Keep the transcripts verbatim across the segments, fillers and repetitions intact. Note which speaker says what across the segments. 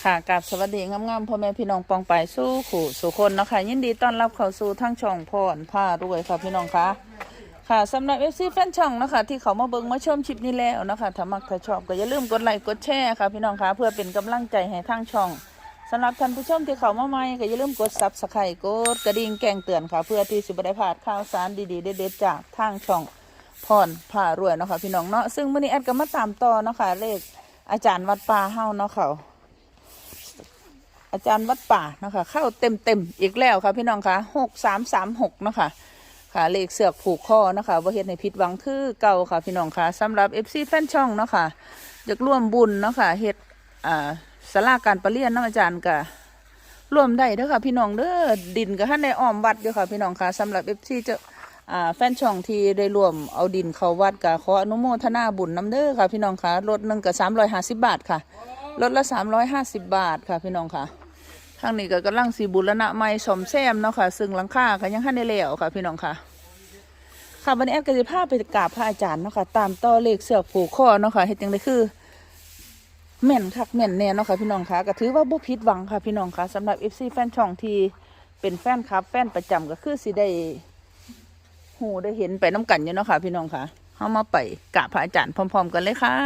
Speaker 1: ค่ะกับสวัสดีงามๆพ่อแม่พี่น้องปองไปสู้ขู่สู่คนเนาะค่ะยินดีต้อนรับเข้าสู่ทั้งช่องพรผ้ารวยค่ะพี่น้องคะค่ะสำหรับเอฟซีแฟนช่องนะคะที่เขามาเบิ่งมาชมคลิปนี้แล้วนะคะถ้ามักถ้าชอบก็อย่าลืมกดไลค์กดแชร์ค่ะพี่น้องคะเพื่อเป็นกำลังใจให้ทั้งช่องสำหรับท่านผู้ชมที่เขามาใหม่ก็อย่าลืมกดซับสไครต์กดกระดิ่งแจ้งเตือนค่ะเพื่อที่สิบได้พลาดข่าวสารดีๆเด็ดๆจากทางช่องพรผ้ารวยเนาะค่ะพี่น้องเนาะซึ่งมื้อนี้แอดก็มาตามต่อเนาะค่ะเลขอาจารย์วัดป่าเฮาเนาะค่ะอาจารย์วัดป่านะคะเข้าเต็มเต็มอีกแล้วค่ะพี่น้องคะหกสามสามหกนะคะค่ะเลขเสือกผูกคอนะคะว่าเฮ็ดในผิดหวังคือเก่าค่ะพี่น้องคะสำหรับเอฟซีแฟนช่องเนาะค่ะอยากร่วมบุญเนาะค่ะเฮ็ดอ่าศาลาการประเรียนเนาะอาจารย์ก็ร่วมได้เด้อค่ะพี่น้องเด้อดินก็ท่านในอ้อมวัดอยู่ค่ะพี่น้องคะสำหรับเอฟซีจะอ่าแฟนช่องที่ได้ร่วมเอาดินเข้าวัดก็ขออนุโมทนาบุญน้ำเด้อค่ะพี่น้องคะรถหนึ่งก็สามร้อยห้าสิบบาทค่ะรถละสามร้อยห้าสิบบาทค่ะพี่น้องค่ะทางนี้ก็กำลังสีบุรณะไม้สมแซมเนาะค่ะซึ่งหลังคาก็ยังทันได้แล้วค่ะพี่น้องค่ะค่ะวันนี้แอดก็จะพาไปกราบพระอาจารย์เนาะค่ะตามต่อเลขเสือกผูกคอเนาะค่ะเฮ็ดจังได๋คือแม่นคักแม่นแน่เนาะค่ะพี่น้องค่ะก็ถือว่าบ่ผิดหวังค่ะพี่น้องค่ะสำหรับ เอฟ ซี แฟนช่องที่เป็นแฟนคลับแฟนประจำก็คือสิได้ฮู้ได้เห็นไปน้ำกันอยู่เนาะค่ะพี่น้องค่ะเฮามาไปกราบพระอาจารย์พร้อมๆกันเลยค่ะ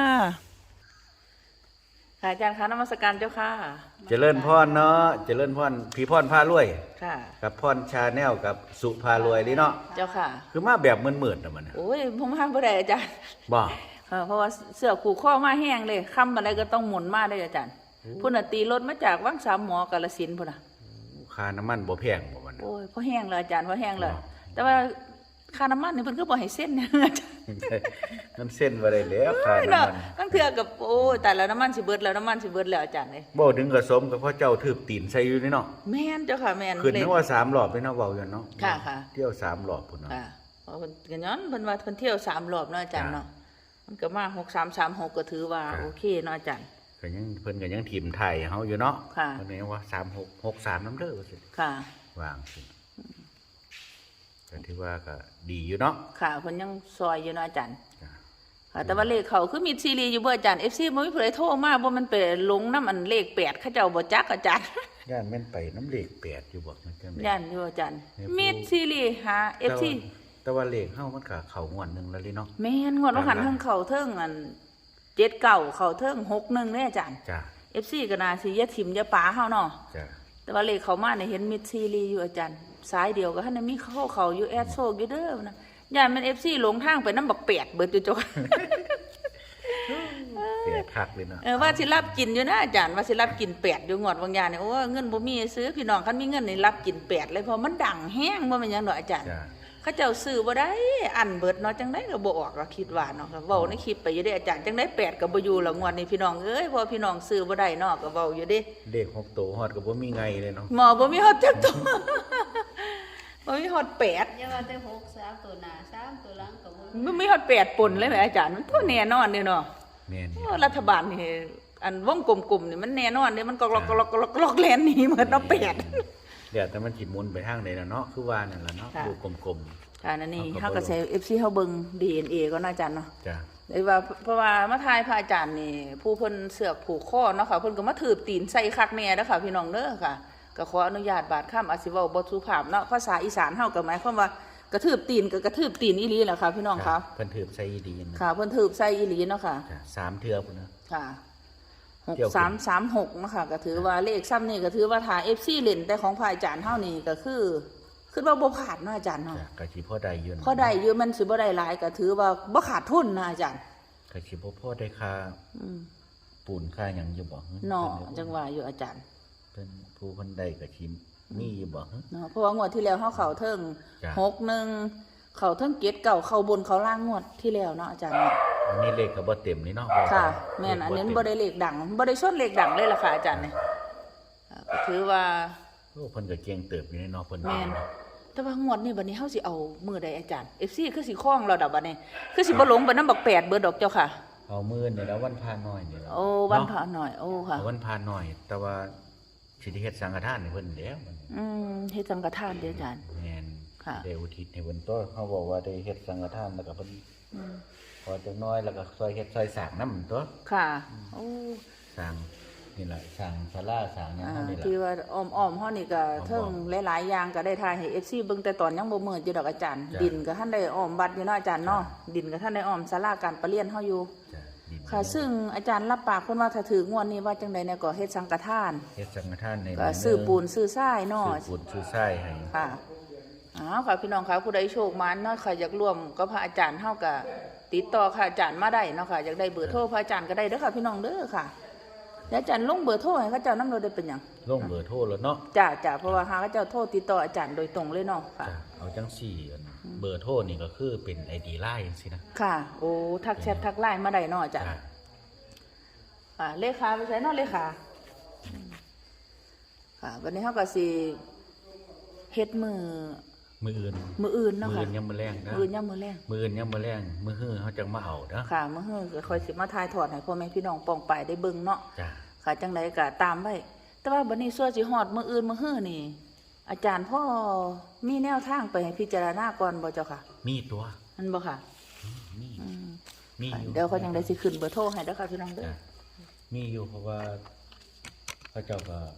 Speaker 1: ค่ะอาจารย์คะนมัสการเจ้าค่ะ
Speaker 2: เจริญพรเนาะเจริญพรพี่พรพารวย
Speaker 1: ค่ะ
Speaker 2: กับพรชาแนลกับสุพารวยนี่เนาะ
Speaker 1: เจ้าค่ะ
Speaker 2: คือมาแบบมืดๆนะมัน
Speaker 1: โอ้ยผมห้ามบ่ได้อาจารย์
Speaker 2: บ่
Speaker 1: เพราะว่าเสือขู่ข้อมาแห้งเลยค่ำอะไรก็ต้องหมุนมาได้อาจารย์พุ่นน่ะตีรถมาจากวังสามหมอกาฬสินธุ์พุ่นน่ะ
Speaker 2: ค่าน้ำมันบ่แพงบ่มัน
Speaker 1: โอ้ยพอแห้งเลยอาจารย์พอแห้งเลยแต่ว่าค่าน้ำมันนี่เพิ่นก็บ่ให้เส้นเนี่ยอาจารย์
Speaker 2: น้ำเส้นบ่ได้แล้วค่าน้ำมัน
Speaker 1: ตั้งเทื่อกับโอ้ยแต่แล้วน้ำมันสิเบิดแล้วน้ำมันสิเบิดแล้วอาจารย์เอ้ย
Speaker 2: บ่ถึงกระสมกับพ่อเจ้าถืบตีนใส่อยู่นี่เนาะ
Speaker 1: แม่นเจ้าค่ะแม่น
Speaker 2: ขึ้นนึกว่าสามรอบไปเนาะเว้าอยู่เนาะ
Speaker 1: ค่ะค่ะ
Speaker 2: เที่ยวสามรอบพุ่นเนาะ
Speaker 1: ค่ะเพราะเพิ่นก็ย้อนเพิ่นว่าเพิ่นเที่ยวสามรอบเนาะอาจารย์เนาะมันก็มาหกสามสามหกก็ถือว่าโอเคเนาะอาจารย์
Speaker 2: ก็ยังเพิ่นก็ยังทีมไทยเฮาอยู่เนาะ
Speaker 1: ค่ะ
Speaker 2: เพิ่นว่าสามหก หกสามนำเด้อว่าซั่น
Speaker 1: ค่ะ
Speaker 2: วางสิก็ถือว่าก็ดีอยู่เนาะ
Speaker 1: ค่ะเพิ่นยังซอยอยู่เนาะอาจารย์ค่ะแต่ว่าเลขเขาคือมีซีรีส์อยู่บ่อาจารย์ เอฟ ซี บ่มีผู้ใดโทรมาบ่มันไปลงนำอันเลขแปดเขาเจ้าบ่จักอาจารย์
Speaker 2: ย่านแม่นไปน้ำเลขแปดอยู่บ่มันจังได๋
Speaker 1: ย่านอยู่อาจารย์มีซีรีส์หา เอฟ ซี
Speaker 2: แต่ว่าเลขเฮามันก็เข้างวดนึงแล้วลิเนาะ
Speaker 1: แม่นงวดว่าหันเทิงเข้าเทิงอันเจ็ดเก้าเข้าเทิงหกหนึ่งเด้อาจารย์
Speaker 2: จ้ะ
Speaker 1: เอฟ ซี ก็น่าสิอย่าถิ่มอย่าปาเฮาเนาะ
Speaker 2: จ้ะ
Speaker 1: แต่ว่าเลขเขามาเนี่ยเห็นมีซีรีส์อยู่อาจารย์สายเดียวก็ท่านมีเข้าเขาอยู่แอดโชคอยู่เด้อนะย่านมัน เอฟ ซี หลงทางไปนำบักแปดเบิดอยู่จ้ะ
Speaker 2: เสียคักเลยเนาะ
Speaker 1: เออว่าสิรับกินอยู่นะอาจารย์ว่าสิรับกินแปดอยู่งวดบางอย่างเนี่ยโอ้เงินบ่มีซื้อพี่น้องคันมีเงินนี่รับกินแปดเลยเพราะมันดังแห้งบ่แม่นหยังดอกอาจารย์เขาเจ้าซื้อบ่ได้อันเบิดเนาะจังได๋ก็บ่ออกก็คิดว่าเนาะก็เว้าในคลิปไปอยู่เด้อาจารย์จังได๋แปดก็บ่อยู่แล้วงวดนี้พี่น้องเอ้ยพอพี่น้องซื้อบ่ได้เนาะก็เว้าอยู่เด้
Speaker 2: เลขหกตัวฮอดก็บ่มีไงเลยเนาะ
Speaker 1: หมอบ่มีฮอดจักตัวบ่มีฮอดแปด
Speaker 3: อย่าว่าแต่หก สามตัวหน้าสามตัวหลังก็บ่
Speaker 1: บ่มีฮอดแปดปนเลยแหมอาจารย์มันบ่แน่นอนเด้เนาะ
Speaker 2: แม่น
Speaker 1: รัฐบาลนี่อันวงกลมๆนี่มันแน่นอนเด้มันก็ล็อกๆๆๆแล่นหนีเหมือนเนาะแปด
Speaker 2: เดี๋ยวแต่มันสิหมุนไปทางใดล่ะเนาะคือว่านั่นล่ะเนาะดูกลม
Speaker 1: ๆค่ะนั่นนี่เฮาก็ใช้ เอฟ ซี เฮาเบิ่ง ดี เอ็น เอ ก็น่าอาจารย์เนาะ
Speaker 2: จ้ะ
Speaker 1: ได้ว่าเพราะว่ามาทายพระอาจารย์นี่ผู้เพิ่นเสือกผูกคอเนาะค่ะเพิ่นก็มาถืบตีนใส่คักแน่เด้อค่ะพี่น้องเด้อค่ะก็ขออนุญาตบาดค่ำอาจสิเว้าบ่สุภาพเนาะภาษาอีสานเฮาก็หมายความว่ากระทืบตีนก็กระทืบตีนอีหลีแหละค่ะพี่น้องค่ะ
Speaker 2: เพิ่นถืบใส่ดีน
Speaker 1: ค่ะเพิ่นถืบใส่อีหลีเนาะค่ะ
Speaker 2: สามเทื่อพุ่นเนาะ
Speaker 1: ค่ะหกสามสามหกเนาะค่ะก็ถือว่าเลขซ้ำนี่ก็ถือว่าถ้า เอฟ ซี เล่นแต่ของพระอาจารย์เฮานี่ก็คือคือว่าบ่ขาดเนาะอาจารย์เนาะ
Speaker 2: ก็สิพอได้อยู่
Speaker 1: พอได้อยู่มันสิบ่ได้หลายก็ถือว่าบ่ขาดทุนนะอาจารย์
Speaker 2: ก็สิบ่พอได้ค่าอืมปูนค่าหยังอยู่บ่
Speaker 1: เนาะจังว่าอยู่อาจารย์
Speaker 2: เพิ่นผู้เพิ่นได้ก็สิมีอยู่บ่
Speaker 1: เนาะเพราะว่างวดที่แล้วเฮาเข้าเทิงหกหนึ่งเข้าเทิงเจ็ดเก้าเข้าบนเข้าล่างงวดที่แล้วเนาะอาจารย์
Speaker 2: อันนี้เลขก็บ่เต็มนี่เนาะ
Speaker 1: ค่ะแม่นอันนี้บ่ได้เลขดังบ่ได้ชนเลขดังเลยล่ะค่ะอาจารย์นี่ก็ถือว่า
Speaker 2: โอ้เพิ่นก็เก่งเติบอยู่ในเนาะเพิ่น
Speaker 1: แม่นแต่ว่างวดนี้บัดนี้เฮาสิเอามื้อใดอาจารย์ เอฟ ซี คือสิคล้องเราดอกบัดนี้คือสิบ่หลงไปนำบักแปดเบิดดอกเจ้าค่ะ
Speaker 2: เอามื้อนี่แล้ววันพาน้อยนี่แล้ว
Speaker 1: โอ้วันพาน้อยโอ้ค่ะ
Speaker 2: วันพาน้อยแต่ว่าสิได้เฮ็ดสังฆทานให้เพิ่นแล้ว
Speaker 1: อืมเฮ็ดสังฆทานเด้ออาจารย์
Speaker 2: แม่น
Speaker 1: ค่ะ
Speaker 2: ได้อุทิศให้เพิ่นตัวเขาบอกว่าได้เฮ็ดสังฆทานแล้วก็เพิ่นอืมพอจักน้อยแล้วก็ซอยเฮ็ดซอยสร้างนำตัว
Speaker 1: ค่ะโอ้
Speaker 2: สร้างนี่แหละสั่งศาลาสั่งหยัง
Speaker 1: อ่า
Speaker 2: เฮานี่ล่ะ
Speaker 1: ที่ว่าอ้อมๆเฮานี่ก็เทิง
Speaker 2: อ้อม
Speaker 1: หลายๆอย่างก็ได้ทายให้ เอฟ ซี เบิ่งแต่ตอนยังบ่มืดอยู่ดอกอาจารย์
Speaker 2: จ้ะ
Speaker 1: ดินก็ท่านได้อ้อมบัดอยู่เนาะอาจารย์เนาะ
Speaker 2: จ้ะ
Speaker 1: ดินก็ท่านได้อ้อมศาลาการประเรียนเฮาอยู่
Speaker 2: จ้ะดิน
Speaker 1: ค่ะ ซึ่งอาจารย์รับปากเพิ่นว่าถ้าถืองวดนี้ว่าจังไดเนี่ยก็เฮ็ดสังฆทาน
Speaker 2: เฮ็ดสังฆทานใน
Speaker 1: ก็ซื้อปูนซื้อทรายเนาะ
Speaker 2: ซื้อปูนซื้อทรายให้
Speaker 1: ค่ะอ้าวค่ะพี่น้องค่ะผู้ใดโชคมาเนาะค่ะอยากร่วมกับพระอาจารย์เฮาก็ติดต่อค่ะอาจารย์มาได้เนาะค่ะอยากได้เบอร์โทรพระอาจารย์ก็ได้เด้อค่ะพี่น้องเด้อค่ะเดี๋ยวอาจารย์ลงเบอร์โทรให้เขาเจ้านำเราได้เป็นหยัง
Speaker 2: ลงเบอร์โทรแล้วเนาะ
Speaker 1: จ้าจ้าเพราะว่าหาเขาเจ้าโทรติดต่ออาจารย์โดยตรงเลยเนาะค่ะ
Speaker 2: จ้ะเอาจังสี่อันเบอร์โทรนี่ก็คือเป็น ไอ ดี ไลน์จังซี่นะ
Speaker 1: ค่ะ โอ้ทักแชททักไลน์มาได้เนาะอาจารย์
Speaker 2: จ้ะ
Speaker 1: ค่ะเลขาไปใช้เนาะเลขาค่ะวันนี้เฮาก็สิเฮ็ดมือ
Speaker 2: มื้ออื่น
Speaker 1: มืออื่นเนาะ
Speaker 2: มื้อ
Speaker 1: ค่ะ
Speaker 2: อื่นยังมื้อแรงนะ
Speaker 1: มืออื่นยามมื้อแรง
Speaker 2: มื้ออื่นยังมื้อแรงมื้อฮื้อเฮาจังมาเอาเด้อ
Speaker 1: ค่ะมื้อฮื้อก็ค่อยสิมาถ่ายทอดให้พ่อแม่พี่น้องปองไปได้เบิ่งเนาะ
Speaker 2: จ้ะ
Speaker 1: ค่ะจังไดก็ตามไว้แต่ว่าบัดนี้ส่วนสิฮอดมื้ออื่นมื้อฮื้อนี่ อาจารย์พ่อมีแนวทางไปให้พิจารณาก่อนบ่เจ้าค่ะ
Speaker 2: มีตัว
Speaker 1: นั่นบ่ค่ะ
Speaker 2: มี
Speaker 1: อืม
Speaker 2: มีอยู่
Speaker 1: เดี๋ยวเขาจังไดสิขึ้นเบอร์โทรให้เด้อค่ะพี่น้องเด้อ
Speaker 2: จ้ะมีอยู่เพราะว่าพระเจ้าก็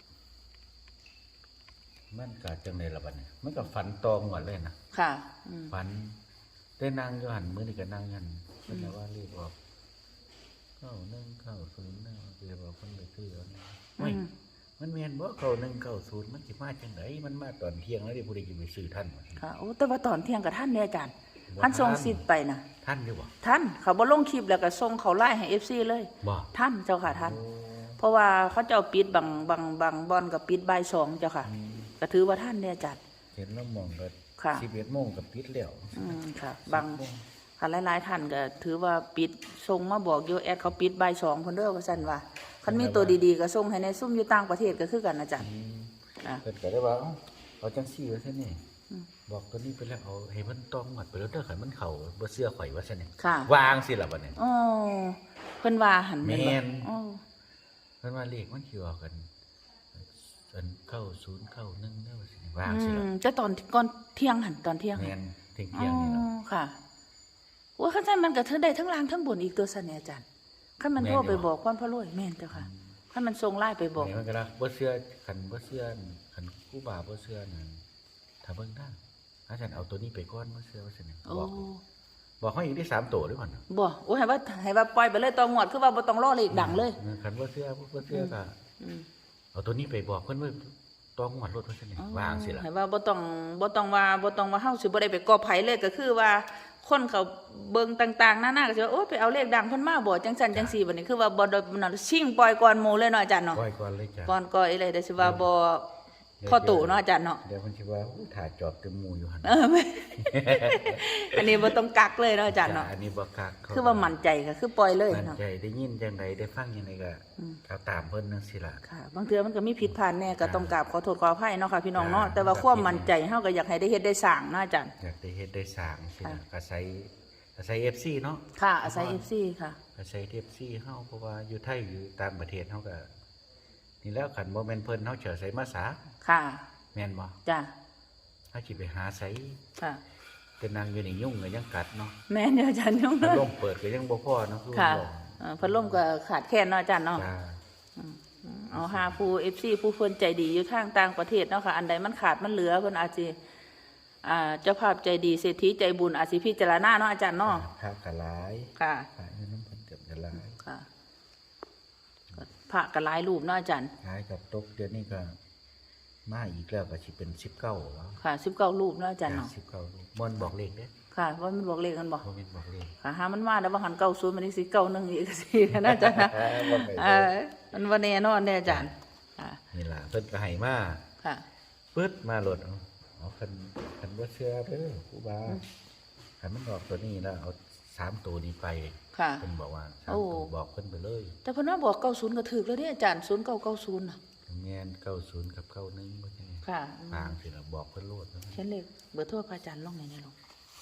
Speaker 2: มันก็จังได๋ล่ะบัดนี้มันก็ฝันตองหมดเลยนะ
Speaker 1: ค่ะอืม
Speaker 2: ฝันได้นั่งอยู่หันมื้อนี้ก็นั่งอยู่หันเพิ่นว่าเรียกออกเก้าหนึ่งเก้าศูนย์นะเรียกว่าเพิ่นไปซื้อเอานะเฮ้ยมันแม่นบ่เก้าหนึ่งเก้าศูนย์มันสิมาจังไดมันมาตอนเที่ยงแล้วดิผู้ใดสิไปซื้อทันวะ
Speaker 1: ค่ะโอ้แต่ว่าตอนเที่ยงกับท่านเนี่ยอาจารย์
Speaker 2: บ่
Speaker 1: ท่านส่ง
Speaker 2: ทัน
Speaker 1: สิทธิ์ไปนะ
Speaker 2: ทันอยู่บ่
Speaker 1: ท่านเขาบ่ลงคลิปแล้วก็ส่งเขาไล่ให้ เอฟ ซี เลย
Speaker 2: บ่
Speaker 1: ท่านเจ้าค่ะท่าน
Speaker 2: โอ้
Speaker 1: เพราะว่าเขาเจ้าปิดบางบางบางบอนกับปิดบ่ายสองเจ้าค่ะ
Speaker 2: อืม
Speaker 1: ก็ถือว่าท่านเนี่ยอาจารย์
Speaker 2: เห็นแล้วมองก็
Speaker 1: ค่ะ
Speaker 2: สิบเอ็ดโมงก็ปิดแล้ว
Speaker 1: อืมค่ะบางค่ะหลายๆท่านก็ถือว่าปิดส่งมาบอกอยู่แอดเขาปิดบ่ายสองเพิ่นเด้อว่าซั่นว่าคันมีตัวดีๆก็ส่งให้ในซุ่มอยู่ต่างประเทศก็คือกันอาจารย์
Speaker 2: อืม
Speaker 1: อ่ะ
Speaker 2: เพิ่นก็ได้ว่าเอ้าเอาจังซี่ว่าซั่นนี่บอกตัวนี้ไปแล้วเอาให้มันต้องหมดไปแล้วเด้อคันมันเข้าบ่เชื่อข่อยว่าซั่นนี่
Speaker 1: ค่ะ
Speaker 2: วางสิล่ะบัดนี้
Speaker 1: อ๋อเพิ่นว่าหัน
Speaker 2: แม่
Speaker 1: แม่น
Speaker 2: น
Speaker 1: บ่อ๋อ
Speaker 2: เพิ่นว่าเลขมันสิออกกันอันเก้าศูนย์เก้าหนึ่งเด้อว่าซั่นนี่วาง
Speaker 1: อื
Speaker 2: สิล่ะ
Speaker 1: มจะตอนก่อนเที่ยงหันตอนเที่ยงหัน
Speaker 2: แม่นเที่ยงเที่ยงนี่ล่ะ
Speaker 1: อ๋อค่ะว่าขั้นมันก็เธอได้ทั้งล่างทั้งบนอีกตัวสันเนี่ยอาจารย์ขั้นมัน
Speaker 2: แม่น
Speaker 1: โทรไป
Speaker 2: อยู่
Speaker 1: บอกความพระรวยแม่นเจ้าค่ะขั้นมันส่งไล่ไปบอก
Speaker 2: แม่นมันก็ละบ่เชื่อคันบ่เชื่อคันครูบาบ่เชื่อนั่นถ้าเบิ่งทางอาจารย์เอาตัวนี้ไปก่อนบ่เชื่อว่าซั่นนี่
Speaker 1: โอ้
Speaker 2: บอกบอกเขาอีกได้สามตัวด้วยก่อน
Speaker 1: บ่โอ้ให้ว่าให้ว่าปล่อยไปเลยตองหวดคือว่าบ่ต้องรอเลขดังเลย
Speaker 2: คันบ่เชื่อบ่เชื่อก็
Speaker 1: อืม
Speaker 2: เอาตัวนี้ไปบอกเพิ่นว่าต้องงวดรถว่าซั่นนี่วางสิล่ะ
Speaker 1: ให้ว่าบ่ต้องบ่ต้องว่าบ่ต้องว่าเฮาสิบ่ได้ไปกอไผเลยก็คือว่าคนเขาเบิ่งต่างๆหน้าๆก็สิว่าโอ้ไปเอาเลขดังเพิ่นมาบ่จังซั่นจังซี่บัดนี้คือว่าบ่ได้นั่นชิงปล่อยก่อนหมู่เลยเนาะอาจารย์เนาะ
Speaker 2: ปล่อยก่อนเลยจ้ะ
Speaker 1: ก่อนก่อยเลยเดี๋ยวสิว่าบ่พ่อตู่เนาะอาจารย์เนาะ
Speaker 2: เดี๋ยวเพิ่นสิว่าอู้ถ่ายจอบเต็มหมู่อยู่หั่น
Speaker 1: เออไม่ อันนี้บ่ต้องกักเลยเนาะอาจารย์เนาะ
Speaker 2: อันนี้บ่คักเข
Speaker 1: คือว่ามั่นใจก็คือปล่อยเลย
Speaker 2: มั่น
Speaker 1: เนาะ
Speaker 2: ใจได้ยินจังไดได้ฟังจังไดก็เอาตามเพิ่นจังซี่ล่ะ
Speaker 1: ค่ะ บางเทื่อมันก็มีผิดพลาดแน่ก็ต้องกราบขอโทษขออภัยเนาะค่ะพี่น้องเนาะ
Speaker 2: อ่า
Speaker 1: แต่ว่าความมั่นใจเฮาก็อยากให้ได้เฮ็ดได้สร้างเนาะอาจารย์
Speaker 2: อยากได้เฮ็ดได้สร้างสิล่ะ
Speaker 1: ค่ะ
Speaker 2: อาศัยอาศัย เอฟ ซี เนาะ
Speaker 1: ค่ะอาศัย เอฟ ซี ค่ะ
Speaker 2: อาศัย เอฟ ซี เฮาเพราะว่าอยู่ไทยอยู่ต่างประเทศเฮาก็นี่แล้วคันบ่แม่นเพิ่นเฮาเฉยใส่มาสา
Speaker 1: ค่ะ
Speaker 2: แม่นบ่
Speaker 1: จ้ะ
Speaker 2: เฮาสิไปหาไส
Speaker 1: ค่ะ
Speaker 2: แต่นางอยู่นี่ยุ่งก็ยังกัดเนาะ
Speaker 1: แม่นเด้ออาจารย์น้อง
Speaker 2: พัด
Speaker 1: เนาะ
Speaker 2: ลมเปิดก็ยังบ่พอเนาะคือ
Speaker 1: ค่ะ
Speaker 2: บอก
Speaker 1: เอ่อพัดลมก็ขาดแคลนเนาะอาจารย์เนาะ
Speaker 2: จ้า
Speaker 1: เอาหาผู้ เอฟ ซี ผู้เพิ่นใจดีอยู่ทางต่างประเทศเนาะค่ะ อันใดมันขาดมันเหลือเพิ่นอาจสิอ่าเจ้าภาพใจดีเศรษฐีใจบุญอาจสิพิจารณาเนาะอาจารย์เนาะ
Speaker 2: พระกะหลาย
Speaker 1: ค่ะ
Speaker 2: พระอยู่น้ำเพิ่นเกือบจะหลาย
Speaker 1: ค่ะพระก็หลายรูปเนาะอาจารย์
Speaker 2: หลายกับตกเดี๋ยวนี้ก็มาอีกแล้วก็สิเป็นสิบเก้าแล้ว
Speaker 1: ค่ะสิบเก้ารูปเนาะอาจารย์เนาะ
Speaker 2: สิบเก้าบ่นบอกเลขเด้
Speaker 1: ค่ะว่ามันบอกเลขกันบ่
Speaker 2: บ่แม่นบอกเลข
Speaker 1: ค่ะหามันมาแล้วว่าหันเก้าศูนย์มันนี่สิเก้าหนึ่งอีกสินะอาจารย์นะ
Speaker 2: บ่ไป
Speaker 1: เออมันว่าแน่นอนแน่อาจารย์ค่ะ
Speaker 2: นี่ล่ะเพิ่นก็ให้มา
Speaker 1: ค่ะ
Speaker 2: ปึ๊ดมาโหลดเอาเอาคันคันบ่เชื่อเด้อครูบาคันมันบอกตัวนี้แล้วเอาสามตัวนี้ไป
Speaker 1: ค่ะ
Speaker 2: เพิ่นบอกว่าสาม
Speaker 1: โอ้
Speaker 2: ตัวบอกเพิ่นไปเลย
Speaker 1: แต่เพิ่นว่าบอกเก้าศูนย์ก็ถูกแล้วเนี่ยอาจารย์ศูนย์เก้าเก้าศูนย์น่ะ
Speaker 2: แม่นเก้าศูนย์กับเก้าหนึ่งว่าจังได๋
Speaker 1: ค่ะ
Speaker 2: ทางสิล่ะบอกเพิ่นโลดนะ
Speaker 1: เขียนเลขเบอร์โทรพระอาจารย์ลงในนี้ลง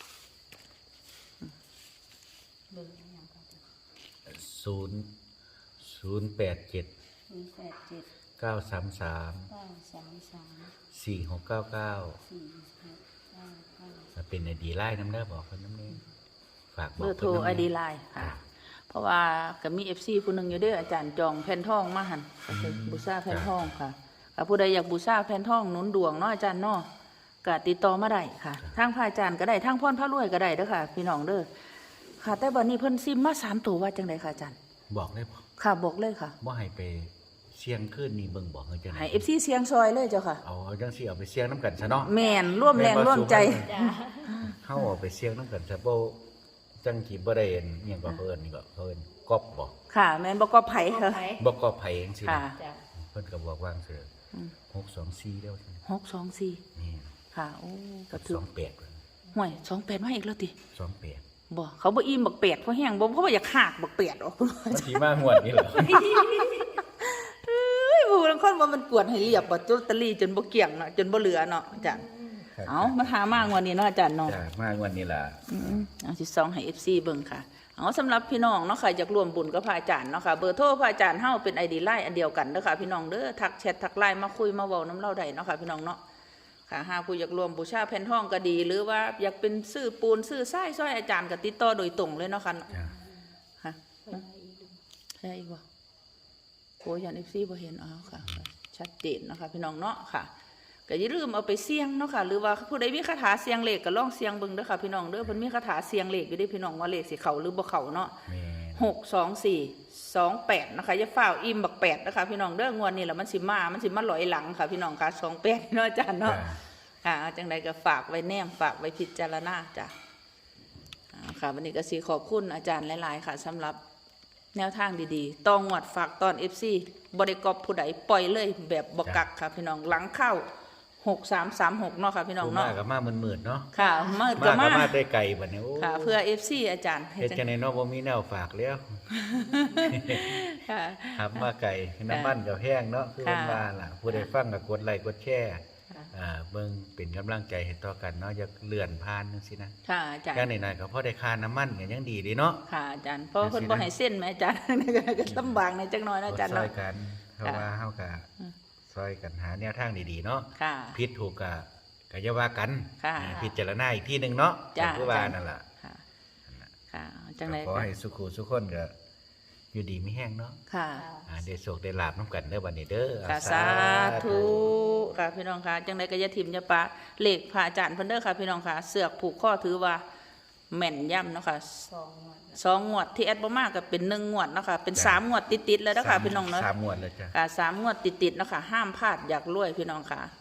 Speaker 3: เบิ่งอหย่างก็จะ
Speaker 2: ศูนย์ ศูนย์แปดเจ็ด
Speaker 3: ศูนย์แปดเจ็ด
Speaker 2: เก้าสามสาม
Speaker 3: เก้าสามสาม
Speaker 2: สี่หกเก้าเก้า
Speaker 3: สี่หกเก้าเก้า
Speaker 2: เป็นไอดีไลน์น้ำเด้อบอกเพิ่นน้ำนี้ฝากบ
Speaker 1: เบอก อร์โทร
Speaker 2: เพิ่นน้ำ
Speaker 1: ไอ
Speaker 2: นี้
Speaker 1: ดีไลน์ค่ะเพราะว่าก็มี เอฟ ซี ผู้หนึงอยู่เด้ออาจารย์จองแผ่นทองมาหั่นก็คือบูชาแผ่นทองค่ะถ้าผู้ใดอยากบูชาแผ่นทองหนุนดวงเนาะอาจารย์เนาะก็ติดต่อมาได้ค่ะทางพระอาจารย์ก็ได้ทางพรพระรวยก็ได้เด้อค่ะ พี่น้องเด้อค่ะแต่บัดนี้เพิ่นซิมมาสามตัวว่าจังไดค่ะอาจารย์
Speaker 2: บอกเลยบ่
Speaker 1: ค่ะบอกเลยค่ะ
Speaker 2: บ่ให้ไปเสียงขึ้นนี่เบิ่งบอกเฮาจังได๋
Speaker 1: ให้ เอฟ ซี เสียงซอยเลยเจ้าค่ะ
Speaker 2: เอาเอาจังซี่เอาไปเสียงนํกันซะเนาะ
Speaker 1: แม่นร่วมแรงร่วมใจ
Speaker 3: จ้า
Speaker 2: เฮาเอาไปเสียงนํกันซะบ่จังสิบ่ได้เห็นอิหยังก็เพิ่นนี่ก็เพิ่นก๊อบบ่
Speaker 1: ค่ะ แม่นบ่ก็ไผค่ะ
Speaker 2: บ่ก๊อบไผจังซี่
Speaker 1: ค่ะ
Speaker 2: นะ
Speaker 3: จ้า
Speaker 2: เพิ่นก็บอกว่าจังซี่หกสองสี่แล้ว
Speaker 1: หกสองสี่
Speaker 2: นี่
Speaker 1: ค่ะโอ้ก็
Speaker 2: กับ
Speaker 1: ถือ
Speaker 2: สองแปด
Speaker 1: ห่วยสองแปดมาอีกแล้วติ
Speaker 2: สองแปด
Speaker 1: บ่เขาบ่อิ่มบักเป็ดเพราะแห้งบ่เพราะว่าอยากหากบักเป็ดออก
Speaker 2: มันสิมางวดนี้เหรอ
Speaker 1: เอ้ยผู้ลางคนว่ามันกวดให้เรียบบ่ลอตเตอรี่จนบ่เกลี้ยงเนาะจนบ่เหลือเนาะอาจารย์เอามาหามางวดนี้เนาะอาจารย์เนาะ
Speaker 2: จ้ะมางวดนี้ล่ะ
Speaker 1: อืมเอาสิซองให้ เอฟ ซี เบิ่งค่ะเอาสำหรับพี่น้องเนาะค่ะอยากร่วมบุญกับพระอาจารย์เนาะค่ะเบอร์โทรพระอาจารย์เฮาเป็น ไอ ดี ไลน์อันเดียวกันเด้อค่ะพี่น้องเด้อทักแชททักไลน์มาคุยมาเว้าน้ำเล่าได้เนาะค่ะพี่น้องเนาะค่ะหากผู้อยากรวมบูชาแผ่นทองก็ดี หรือว่าอยากเป็นซื้อปูนซื้อทรายซอยอาจารย์ก็ติดต่อโดยตรงเลยเนาะค่ะ
Speaker 2: จ้ะ
Speaker 1: ค่ะ
Speaker 3: ไปได้อีกดู
Speaker 1: ได้อีกบ่โอ้ยยัน เอฟ ซี บ่เห็นเอาค่ะ ชัดเจนเนาะค่ะพี่น้องเนาะค่ะก็อย่าลืมเอาไปเสี่ยงเนาะค่ะหรือว่าผู้ใดมีคาถาเสี่ยงเลขก็ลองเสี่ยงเบิ่งเด้อค่ะพี่น้องเด้อเพิ่นมีคาถาเสี่ยงเลขอยู่เด้พี่น้องว่าเลขสิเข้าหรือบ่เข้าเนาะ
Speaker 2: แม่น
Speaker 1: หกสองสี่สองแปดนะคะอย่าฝ้าวอิ่มบักแปดนะคะพี่น้องเด้องวดนี้แหละมันสิมามันสิมาลอยหลังค่ะพี่น้องค่ะสองแปดเนาะอาจารย์เนาะ
Speaker 2: จ้ะ
Speaker 1: ค่ะเอาจังใดก็ฝากไว้แนมฝากไว้พิจารณาจ้ะอ่าค่ะวันนี้ก็สิขอบคุณอาจารย์หลายๆค่ะสำหรับแนวทางดีๆต้องงวดฝากตอน เอฟ ซี บริกรผู้ใดปล่อยเลยแบบบกักค่ะพี่น้องหลังเข้าหกสามสามหกเนาะค่ะพี่น้อง
Speaker 2: ผู้
Speaker 1: เนาะ
Speaker 2: มาก็มามืดๆเนาะ
Speaker 1: ค่ะมา
Speaker 2: มา
Speaker 1: ก็
Speaker 2: ก็
Speaker 1: มา
Speaker 2: มาได้ไกลบัดนี้โอ้
Speaker 1: ค่ะ เพื่อ เอฟ ซี อาจารย์ให้
Speaker 2: เฮ็ด
Speaker 1: จัง
Speaker 2: จังได๋เนาะบ่มีแนวฝากแล้ว
Speaker 1: ค่ะ
Speaker 2: ครับมาไกลน้ำมันก็แพงเนาะคือ
Speaker 1: ค่ะ
Speaker 2: มันว่าล่ะผู้ใดฟังก็กดไลค์กดแชร์
Speaker 1: ค่ะ
Speaker 2: อ่าเบิ่งเป็นกำลังใจให้ต่อกันเนาะอย่าเลื่อนผ่านจังซี่นะ
Speaker 1: ค่ะอาจารย์
Speaker 2: อย่างน้อยๆก็พอได้ค่าน้ำมันก็ยังดีเดีเนาะ
Speaker 1: ค่ะอาจารย์เพราะเพิ่นบ่ให้เส้นแม่อาจารย์ ก็ลำบากในจักหน่อยนะอาจารย์
Speaker 2: ซอ
Speaker 1: เนาะ
Speaker 2: ยกันเพราะว่าเฮาก็
Speaker 1: อืม
Speaker 2: ซอยกันหาแนวทางดีๆเนาะ
Speaker 1: ค่ะ
Speaker 2: ผิดถูกก็ก็อย่าว่ากัน
Speaker 1: ค่ะ
Speaker 2: อ่าพิจารณาอีกทีหนึงเนาะ
Speaker 1: จ้ะ
Speaker 2: คือว่านั่นล่ะ
Speaker 1: ค่ะค่ะจังได
Speaker 2: ก็ขอให้สุขุสุขคนก็อยู่ดีมีแห้งเนาะ
Speaker 1: ค่ะ
Speaker 2: อ่าได้โชคได้ลาบนํกันเด้อบัดนี้เด้อ
Speaker 1: ค่ะ
Speaker 2: อ่
Speaker 1: สาธุค่ะพี่น้องค่ะจังไดก็อย่าทิ่มอย่าปะเลขพระอาจารย์เพิ่นเด้อค่ะพี่น้องค่ะเสือกผูกข้อถือว่าแม่นย่ำเนาะค่ะ
Speaker 3: สองงวด
Speaker 1: สองงวดที่แอดบ่มากก็เป็นหนึ่งงวดเนาะค่ะเป็นสามงวดติดๆแล้วเด้อค่ะพี่น้องเนาะ
Speaker 2: สามงวดเลยจ้ะ
Speaker 1: ค่ะสามงวดติดๆเนาะค่ะห้ามพลาดอยากรวยพี่น้องค่ะ